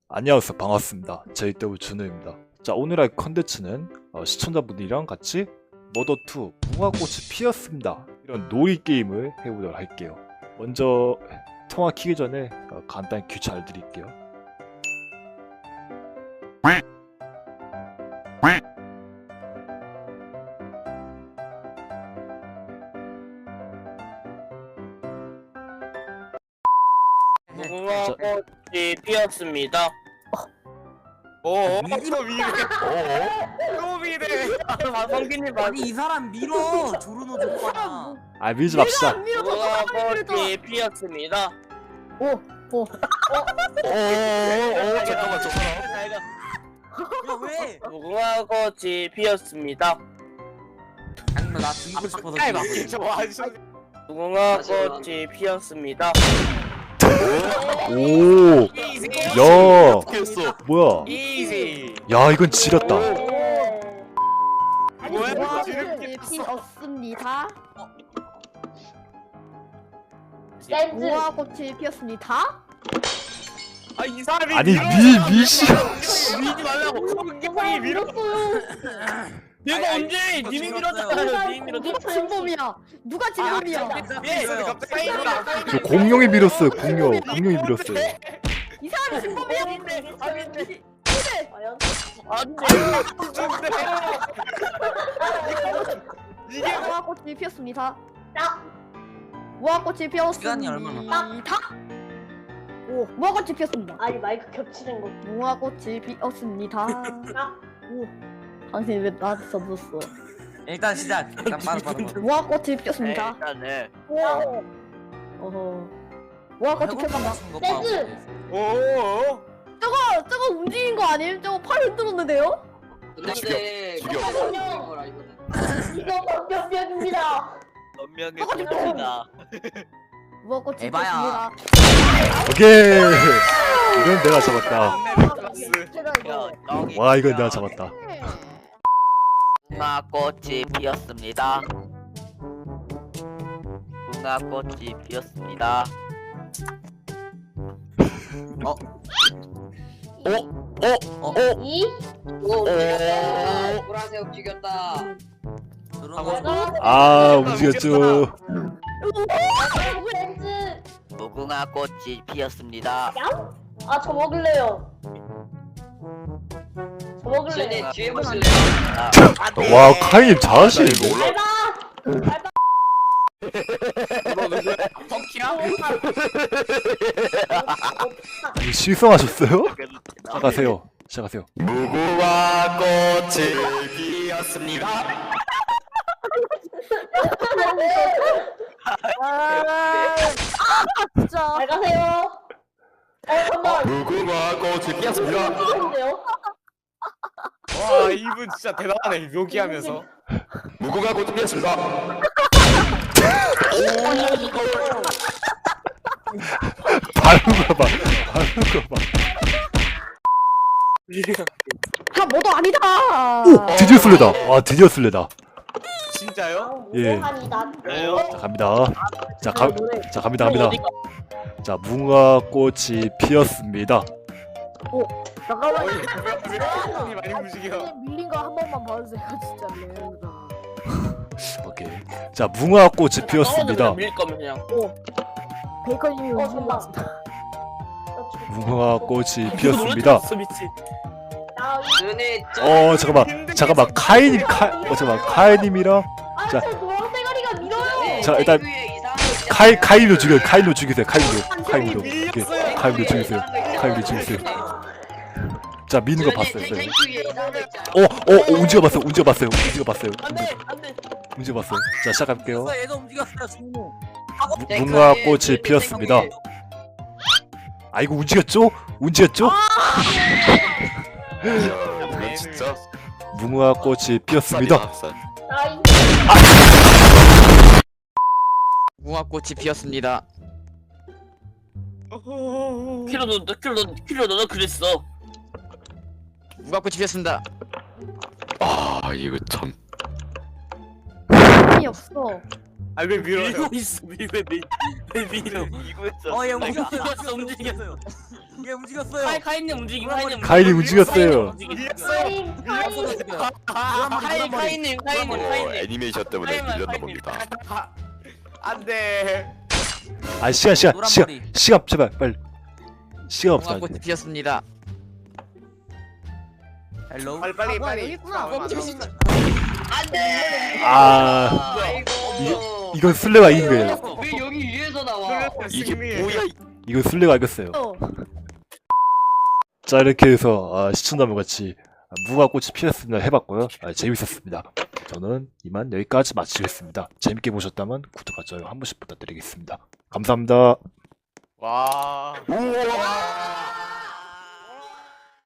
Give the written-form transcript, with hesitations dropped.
안녕하세요. 반갑습니다. JW 준우입니다. 자, 오늘 할 컨텐츠는 시청자분들이랑 같이 머더2 무화꽃이 피었습니다. 이런 놀이 게임을 해보도록 할게요. 먼저 통화 키기 전에 간단히 규칙 알려드릴게요. 무궁화꽃이 피었습니다. 또 미래. 또 미래. 성기님 아니 이 사람 밀어 조르노 족봐라. 아, 밀지 맙시다. 무궁화꽃이 피었습니다. 잠깐만 저 사람. 야 왜? 무궁화꽃이 피었습니다. 아니 나 죽이고 싶어서 아이 그래. 저 아저씨. 무궁화꽃이 피었습니다. 오, 야, 피었어. 뭐야? 이지. 야, 이건 지렸다. 뭐야? 무화꽃이 피었습니다. 무화꽃이 피었습니다. 아 이 사람이 아니, 미씨. 밀지 말라고. 성경이 밀었어요. 내가 언제 님이 밀었잖아요. 님이 밀었잖아요. 누가 진범이야? 누가 진범이야? 예, 갑자기 저 공룡이 밀었어요. 공룡이 밀었어요. 이 사람이 진범이야? 이게 무화꽃이 피었습니다. 무화꽃이 피었습니다. 시간이 얼마나? 오, 무화꽃이 피었습니다. 아니 마이크 겹치는 거. 무화꽃이 피었습니다. 오, 당신 왜 나한테 써줬어? 일단 시작. 일단 빠르. 무화꽃이 피었습니다. 일단은 어허. 무화꽃이 피었습니다. 오. 저거 움직인 거 아님? 저거 팔 흔들었는데요? 죽여. 이거 방병병입니다. 변명했습니다. 무화꽃이 에바야. 피었습니다. 오케이. 이건 내가 잡았다. 제가 와, 이건 내가 잡았다. 무궁화꽃이 피었습니다. 무궁화꽃이 피었습니다. 이? 보라색 죽였다. 아, 움직였죠. 렌즈. 무궁화꽃이 피었습니다. 아저 먹을래요. 저 먹을래요. 쟤네 뒤에 보실래요? 와, 카이님 잘하시는데? 알바. 아니, 실성하셨어요? 시작하세요. 무궁화꽃이 피었습니다. 진짜. 잘 가세요. 잠깐만. 무궁화꽃이 피었습니다. 이건데요? 와 이분 진짜 대단하네 묘기하면서. 무궁화꽃이 피었습니다. 바른 거 봐. 다 뭐도 아니다. 오, 드디어 쓸래다. 와, 드디어 쓸래다. 진짜요? 예. 무궁화니다. 자, 갑니다. 자, 갑니다. 자, 무궁화꽃이 피었습니다. 잠깐만. 이 많이 움직여. 밀린 거 한 번만 봐주세요, 진짜. 오케이. 자, 무궁화꽃이 피었습니다. 밀 거면 그냥. 베이컨님이 움직인 것 잠깐만. 같습니다. 무궁화꽃이 피었습니다. 눈에 잠깐만. 카이님이랑 아 자. 저 노랑 대가리가 밀어요. 자, 일단 카이님도 죽여요. 카이님도 죽이세요. 오케이. 카이님도 죽이세요. 자, 미는 거 봤어요. 움직여 봤어요. 자, 시작할게요. 얘도 움직였어요 조르노. 무궁화꽃이 피었습니다. 아, 이거 움직였죠? 진짜. 무궁화꽃이 피었습니다. 아이 무궁화꽃이 피었습니다. 키로 너 그랬어. 무궁화꽃이 피었습니다. 아 이거 참. 힘이 없어. 아왜 밀어요? 밀고 있어 왜 밀어 이거 했잖아. 얘 움직였어요. 움직였어 움직였어요 얘 움직였어요. 카이님 움직임 카이님 카일이 움직였어요. 카이님 애니메이션 때문에 타임만, 밀렸나 타임만. 봅니다. 안돼. 아 시간 노란 머리. 시간 제발 빨리. 시간 없어. 무궁화 꽃이 피었습니다. 헬로. 빨리 아, 뭐야, 여기 있구나. 아 이건 술래가 이긴 거예요. 왜 여기 위에서 나와? 이게 뭐야? 이건 술래가 이겼어요. 자 이렇게 해서 시청자분 같이 무궁화 꽃이 피었습니다 해봤고요. 재밌었습니다. 저는 이만 여기까지 마치겠습니다. 재밌게 보셨다면 구독과 좋아요 한 번씩 부탁드리겠습니다. 감사합니다. 와. 우와.